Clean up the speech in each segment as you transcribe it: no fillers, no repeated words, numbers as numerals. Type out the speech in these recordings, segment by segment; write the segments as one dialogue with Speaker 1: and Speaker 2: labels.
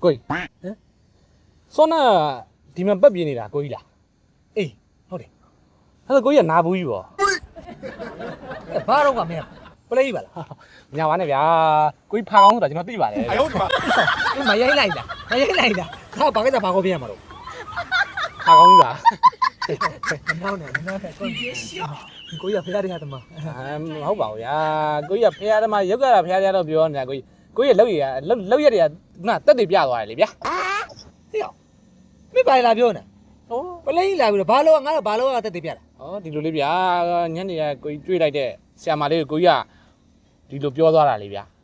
Speaker 1: ကိုကြီးစောနာဒီမှာပတ်ပြင်းနေတာကိုကြီးလားအေးဟုတ်တယ်အဲ့ဒါကိုကြီးကနာဘူးကြီးပေါ့ဘာတော့ကမင်းပလေးပါလားညာပါနဲ့ဗျာကိုကြီးဖာကောင်းဆိုတာကျွန်တော်သိပါတယ်အယုတ်ပါမရိုက်လိုက်လားခါဘာကိစ္စဖာကောင်းပြရမှာတော့ဖာကောင်းကြီးပါမောင်းနေကိုကြီးကဖះတဲ့ဟာတမမဟုတ်ပါဘူးဗျာကိုကြီးကဖះသမားရုပ်ကြတာဖះကြတော့ပြောနေတာကိုကြီးလောက်ရလောက်ရက်တွေကငါတက်တွေပြသွားတယ်လေဗျာဟေ့မင်းပါလာပြောနေဟောပလိန်လာပြီးတော့ဘာလို့ငါတော့ဘာလို့ကတက်တွေပြတာဟောဒီလိုလေးဗျာညနေကကိုကြီးတွေ့လိုက်တဲ့ဆရာမလေးကိုကြီးကဒီလိုပြောသွားတာလေဗျာ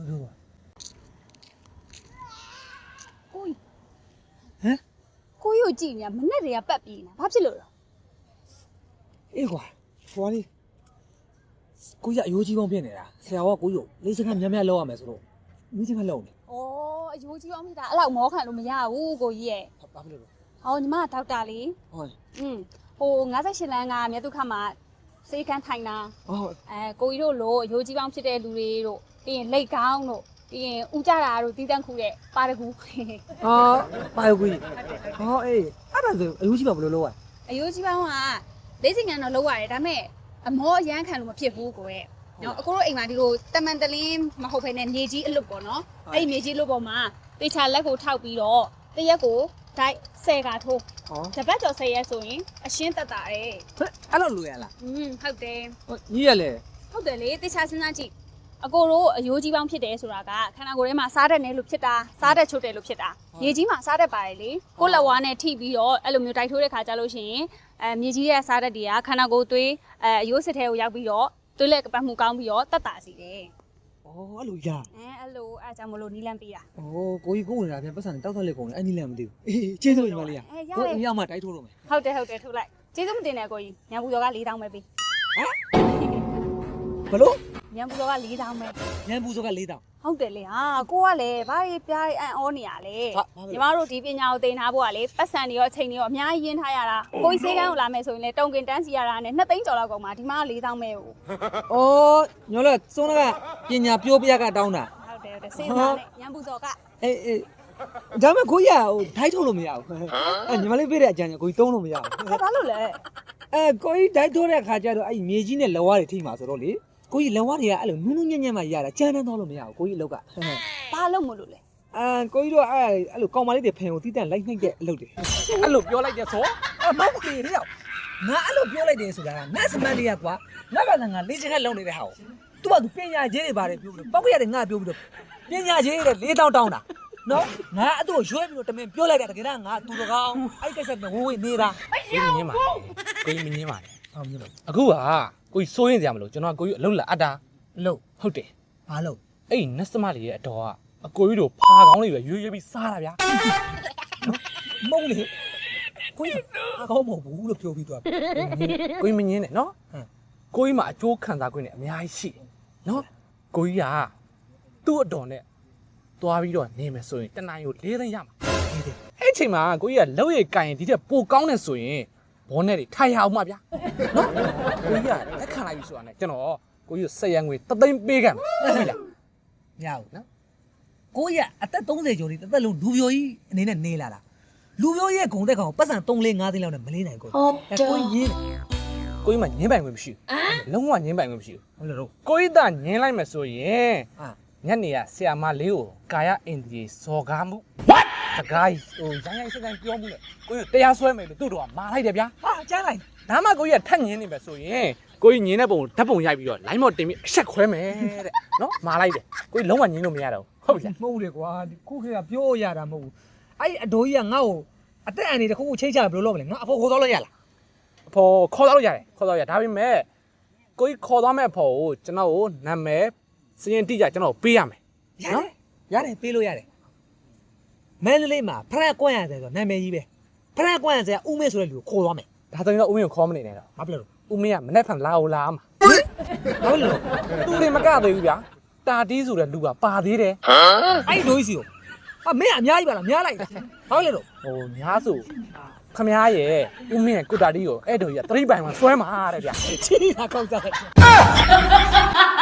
Speaker 2: ကိုကြီးကိုကြီးကိုကြည့်နေမနဲ့တွေကပတ်ပြီးနေဘာဖြစ်လို့လဲ
Speaker 3: အေးကွာဟိုလေးကိုကြီးအယိုးကြီးပေါင်းဖြစ်နေတာဆရာကကိုကြီးကိုလေးစကားများများလောက်ရမယ်ဆိုတော့မိစကားလောက်နေ
Speaker 2: ဩအယိုးကြီးပေါင်းဖြစ်တာအဲ့လောက်မောခံလို့မရဘူးကိုကြီးရဲ့
Speaker 3: ဘာဖြစ်လို့လဲ
Speaker 2: ဟောညီမကဒေါက်တာလေ
Speaker 3: ဟုတ်
Speaker 2: ဟို58လမ်းကမြတ်တုခမှာစေကန်းထိုင်တာ
Speaker 3: ဟုတ်
Speaker 2: ကိုကြီးတို့လို့အယိုးကြီးပေါင်းဖြစ်တဲ့လူတွေတို့ပြီးရင်လက်ကောင်းတို့ပြီးရင်ဥကြတာတို့တီးတန့်ခုတဲ့ပါတကူ
Speaker 3: ပါတကူဟောအေးအဲ့ဒါဆိုအယိုးကြီးပါဘယ်လိုလုပ်ရ
Speaker 2: အယိုးကြီးပေါင်းကလေးစင်ကန်တော့လုပ်ရတယ်ဒါပေမဲ့အမောအရန်ခံလို့မဖြစ်ဘူးကိုရဲ့နော်အကိုတို့အိမ်မှာဒီလိုတမန်တလင်းမဟုတ်ဘဲနဲ့မြေကြီးအလွတ်ပေါ့နော်အဲ့ဒီမြေကြီးလွတ်ပေါ်မှာတေချာလက်ကိုထောက်ပြီးတော့တရက်ကိုဒိုက်10ကထိုးတပတ်ကျော်10ရက်ဆိုရင်အရှင်းတက်တာတယ်
Speaker 3: အဲ့လိုလိုရလား
Speaker 2: ဟုတ်တယ်
Speaker 3: ညီရလေ
Speaker 2: ဟုတ်တယ်လေတေချာစဉ်းစားကြည့်အကိုတို့အယိုးကြီးပေါင်းဖြစ်တယ်ဆိုတာကခန္ဓာကိုယ်ထဲမှာစားတတ်နေလို့ဖြစ်တာစားတတ်ချုပ်တယ်လို့ဖြစ်တာမြေကြီးမှာစားတတ်ပါတယ်လေကိုလက်ဝါးနဲ့ထိပြီးတော့အဲ့လိုမျိုးတိုက်ထိုးတဲ့ခါကြလို့ရှိရင်မြေကြီးရဲ့စားတတ်တွေကခန္ဓာကိုယ်သွေးအယိုးစစ်ထဲကိုရောက်ပြီးတော့သွေးလက်ကပတ်မှုကောင်းပြီးတော့တက်တာစီတယ်
Speaker 3: အဲ့လိုရ
Speaker 2: အဲ့လိုအဲ့ကြောင့်မလို့နီးလန်းပေးတာ
Speaker 3: ကိုကြီးကိုနေတာပြန်ပတ်စံတောက်ထောက်လေးကုန်တယ်အဲ့နီးလန်းမသိဘူးအေးကျေးဇူးညီမလေးကိုအရောက်မှတိုက်ထိုးတော့မယ်
Speaker 2: ဟုတ်တယ်ထုတ်လိုက်ကျေးဇူးမတင်နဲ့ကိုကြီးညံပူတော်က4000ပဲပေး
Speaker 3: ဘလို့
Speaker 2: ညံပူတော်က4000ပဲ
Speaker 3: ညံပူတော်က4000
Speaker 2: ဟုတ်တယ်လေဟာကိုကလည်းဘာကြီးပြားအံ့ဩနေရလေညီမတို့ဒီပညာကိုသင်ထားဖို့ကလေပတ်စံတွေရောအချိန်တွေရောအများကြီးရင်းထားရတာကိုကြီးစေးကန်းကိုလာမယ်ဆိုရင်လေတုံကင်တန်းစီရတာနဲ့2သိန်းကျော်လောက်ကုန်မှာဒီမှာ4000ပဲဟုတ်
Speaker 3: ညောလက်စုံးကပညာပြောပြကတောင်းတာ
Speaker 2: ဟုတ်တယ်စဉ်းစားနဲ့ညံပူတော်က
Speaker 3: အေးဒါမဲ့ကိုကြီးကဟိုဓာတ်ထုတ်လို့မရဘူးညီမလေးပေးတဲ့အကြံကိုကြီးသုံးလို့မရဘူး
Speaker 2: ဘာလို့လဲ
Speaker 3: ကိုကြီးဓာတ်ထုတ်တဲ့ခါကျတော့အဲ့မြေကြီးနဲ့လက်ဝါးတွေထိမှာဆိုတော့လေကိုကြီးလက်ဝါးတွေကအဲ့လိုနူးနူးညံ့ညံ့မှရတာကြမ်းတမ်းတော့လို့မရဘူးကိုကြီးအလုပ်က
Speaker 2: ဘာလို့မလို့လဲ
Speaker 3: ကိုကြီးတို့အဲ့လိုကောင်မလေးတွေဖင်ကိုတီးတန့်လိုက်နှိမ့်တဲ့အလုပ်တွေ
Speaker 1: အဲ့လိုပြောလိုက်တဲ့ဆို
Speaker 3: မဟုတ်သေးတဲ့ရောက်ငါအဲ့လိုပြောလိုက်တယ်ဆိုတာကနတ်စမန်လေးကကွာငါကငါလေးချင်ခက်လုံးနေတဲ့ဟာကိုသူကသူပညာကြီးတွေပါတယ်ပြောပြီးတော့ပောက်ရတယ်ငါပြောပြီးတော့ပညာကြီးတွေ4000တောင်းတာနော်ငါအဲ့သူ့ကိုရွှဲပြီးတော့တမင်ပြောလိုက်တာတကယ်တော့ငါသူတော်ကောင်းအဲ့ကိစ္စကဝေးနေတာ
Speaker 1: ကိုကြီးမြင်ပါကိုကြီးမငင်းပါနဲ့ဟုတ်မြင်ပါအခုကကိုကြီးစိုးရင်စရာမလိုကျွန်တော်ကိုကြီးအလုံးလာအပ်တာ
Speaker 3: လို့
Speaker 1: ဟုတ်တယ်
Speaker 3: ဘာလို့
Speaker 1: အဲ့နတ်စမလေးရဲ့အတော်ကအကိုကြီးတို့ဖာကောင်းလေးပဲရွေးပြီးစားတာဗျာ
Speaker 3: မုံလေကိုကြီးအကောင်းမဟုတ်ဘူးလို့ပြောပြီးသွား
Speaker 1: ကိုကြီးမငင်းနဲ့နော်ကိုကြီးမှာအကျိုးခံစား권နဲ့အများကြီးရှိတယ်နော်ကိုကြီးကသူ့အတော်နဲ့သွားပြီးတော့နေမယ်ဆိုရင်တနင်္လာကို4သိန်းရမှာအဲ့ချိန်မှာကိုကြီးကလောက်ရည်ကင်ဒီတက်ပိုကောင်းနေဆိုရင်ဘောနဲ့တွေထိုင်ရအောင်မှာဗျာနော်ကိုကြီးကလက်ခံလိုက်ပြီဆိုတာနဲ့ကျွန်တော်ကိုကြီးဆက်ရငွေ3သိန်းပေးခံမယ်ဟုတ်ပြီလား
Speaker 3: မရဘူးနော်ကိုကြီးကအသက်30ကျော်လေးတစ်သက်လုံးလူပြိုကြီးအနေနဲ့နေလာတာလူပြိုရဲ့ဂုံသက်ကောင်ပတ်စံ3 4 5သိန်းလောက်နဲ့မလေးနိုင်ကိုကိုကြီးရင်း
Speaker 1: ကိုကြီးမှညင်းပိုင်ခွင့်မရှိဘူးလုံးဝညင်းပိုင်ခွင့်မရှိဘူး
Speaker 3: ဟုတ်လားတော့
Speaker 1: ကိုကြီးသားညင်းလိုက်မယ်ဆိုရင်ညနေကဆရာမလေးကိုကာယအင်ဒီစော်ကားမှု what တကားဟိုရိုင်းစကန်ပြောမှုလေကိုကြီးတရားစွဲမယ်လို့သူ့တော်ကမာလိုက်တယ်ဗျာ
Speaker 3: ဟာကျန်းလိုက်
Speaker 1: ဒါမှကိုကြီးကထက်ညင်းနေမယ်ဆိုရင်ကိုကြီးညင်းတဲ့ပုံဓာတ်ပုံရိုက်ပြီးတော့ line မော့တင်ပြီးအဆက်ခွဲမယ်တဲ့နော်မာလိုက်တယ်ကိုကြီးလုံးဝညင်းလို့မရတော့ဟုတ်ပြီလား
Speaker 3: မဟုတ်လေကွာခုခေတ်ကပြောရတာမဟုတ်ဘူးအဲ့အတိုးကြီးကငါ့ကိုအသက်အန္တရာယ်တစ်ခုခုချိန်ချဘယ်လိုလုပ်မလဲငါအဖို့ခေါ်တော့လို့ရလား
Speaker 1: အဖို့ခေါ်တော့ရတယ်ဒါပေမဲ့ကိုကြီးခေါ်သွားမဲ့အဖို့ကိုကျွန်တော်ကိုနာမည်စရင်တိကျကျွန်တော်ပေးရမယ်
Speaker 3: နော်ရတယ်ပေးလို့ရတယ်မန္တလေးမှာဖရက်ကွန့်ရတဲ့ဆိုနာမည်ကြီးပဲဖရက်ကွန့်ရတဲ့ဦးမင်းဆိုတဲ့လူကိုခေါ်သွားမယ်
Speaker 1: ဒါဆိုရင်တော့ဦးမင်းကိုခေါ်မနေနဲ့တော့
Speaker 3: ဘာဖြစ်လို့
Speaker 1: ဦးမင်းကမနေ့ကလာအောင်လာမှာ
Speaker 3: ဘာလို့
Speaker 1: သူတွေမကသေးဘူးဗျာတာတီးဆိုတဲ့လူကပါသေးတယ်
Speaker 3: အဲ့ဒိုးကြီးစီကိုမင်းအများကြီးပါလားများလိုက်ဘာလို့လဲတော့
Speaker 1: ဟိုများဆိုခမားရဲ့ဦးမင်းရဲ့ကုတာတီးကိုအဲ့တော်ကြီးက3ပိုင်မှာဆွဲမှာတဲ့ဗျာ
Speaker 3: ချီတာကောက်ကြတယ်